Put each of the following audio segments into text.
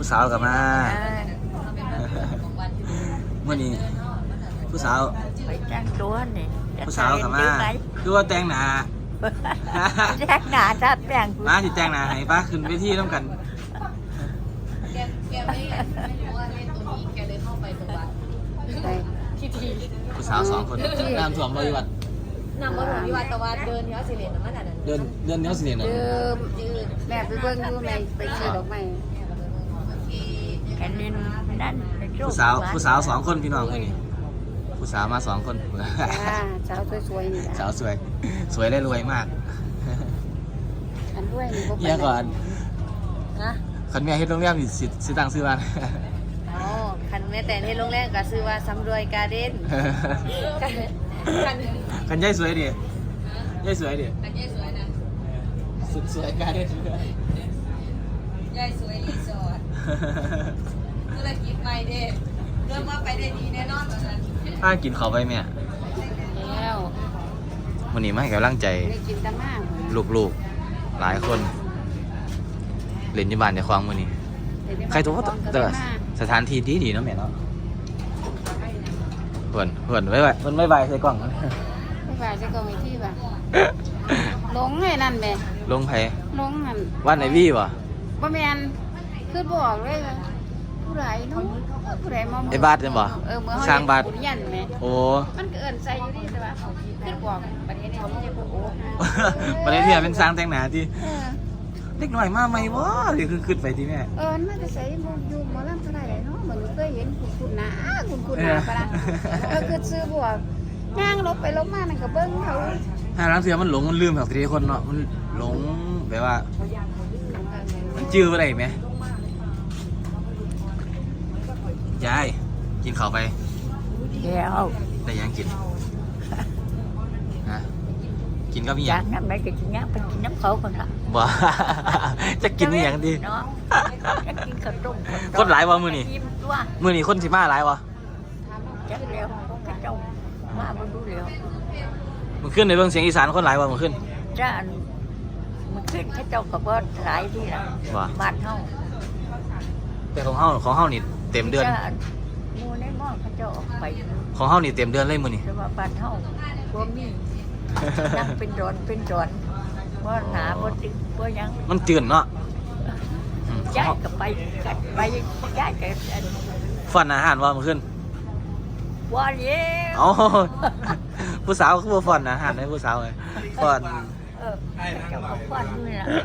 ผู้สาวกลับมาเมื่อนี้ผู้สาวไปแต่งตัวนี่ผู้สาวกลับมาคือว่าแต่งหนาแต่งหนาถ้าแต่งมาที่แต่งหนาให้ป้าขึ้นเวทีต้องกันแกไม่รู้ว่าเล่นตัวนี้แกเลยเข้าไปตรงวัดทีผู้สาว2 คนน้ำท่วมบริวัตินำมาถึงที่วัดตะวันเดินเนี้ยสิเลนมันอันนั้นเดินเนี้ยสิเลนแม่ไปเบิ่งดูแม่ไปซื้อดอกไม้แค่นี้นั่นผู้สาว2 คนพี่น้องคนนี้ผู้สาวมา2 คนสาวสวยๆนี่สาวสวยได้รวยมากอันรวยนี่บ่เนี่ยก่อนนะคันแม่เฮ็ดโรงแรมนี่สิตั้งชื่อว่าอ๋อคันแม่แต่ในโรงแรมก็ชื่อว่าสำรวยการ์เด้นคันยายสวยดิยายสวยดิคันยายสวยนะสุดสวยการ์เด้นยายสวยรีสอร์ทธุรกิจใหม่เด้เริ่มว่าไปได้ดีแน่นอนตอนนั้นถ้ากินข้าวไปแม่แล้ววันนี้มาให้กำลังใจลูกๆหลายคนเล่นอยู่บ้านในคลองมื้อนี้ใครตัวแต่สถานที่ดีๆเนาะแม่เนาะเพิ่นไว้เพิ่นไม่ใบใส่กล่องไม่ใบใส่กล่องอีกที่ป่ะลงไอ้นั่นแม่ลงไผลงนั่นวันไหนวี่บ่บ่แม่นคือบอกเลยผู้ใดเนาะผู้ใดมาไอ้บาทจังบ่สร้างบาทโอ้มันก็เอิ้นใส่อยู่นี่แต่ว่าคือบอกประเทศนี้เขาไม่ใช่โอ้ประเทศนี้เป็นสร้างแต่งหน้าที่เด็กหน่อยมาใหม่บ่หรือคือขึ้นไปที่แม่น่าจะใส่อยู่หมอลำเท่าไหร่เนาะเหมือนเคยเห็นคุณหนาคุณหนาปะล่ะคือซื้อบวกย่างลบไปลบมานั่นก็เบิ่งเขาถ้าลังเสือมันหลงมันลืมแบบทีคนเนาะมันหลงแบบว่ามันจื้ออะไรไหมยายกินข้าวไปแล้วแต่ยังกินนะกินก็มีอย่างนั้นไม่กินไปกินน้ำเขาคนละบ่จะกินอย่างดีเนาะจะกินข้าวต้มคนหลายวะมื้อนี้คนสิมาหลายวะจักเดียวกระเจ้ามาบ่ดูแล้วมันขึ้นในเบิ่งเสียงอีสานคนหลายวะมันขึ้นจ้ามันขึ้นกระเจ้าก็บ่หลายที่ละบ้านเฮาแต่ของเฮานี่เต็มเดือนหมู่ในหม้อเขาเจ้าออกไปของเฮานี่เต็มเดือนเลยมื้อนี้แต่ว่าบ้านเฮาบ่มีนั่งเป็นดอนบ่หนาบ่ตึงบ่ยังมันตื่นเนาะย้ายก็ไปย้ายก็ฝันอาหารว่ามันขึ้นบ่เลี้ยวผู้สาวคือบ่ฝันอาหารให้ผู้สาวเลยฝันเจ้าก็ฝันนี่ล่ะ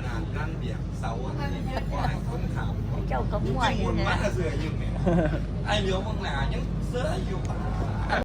เจ้าก็ม่วนนี่ล่ะไอ้เหลียวบางหน้ายังเสื้ออยู่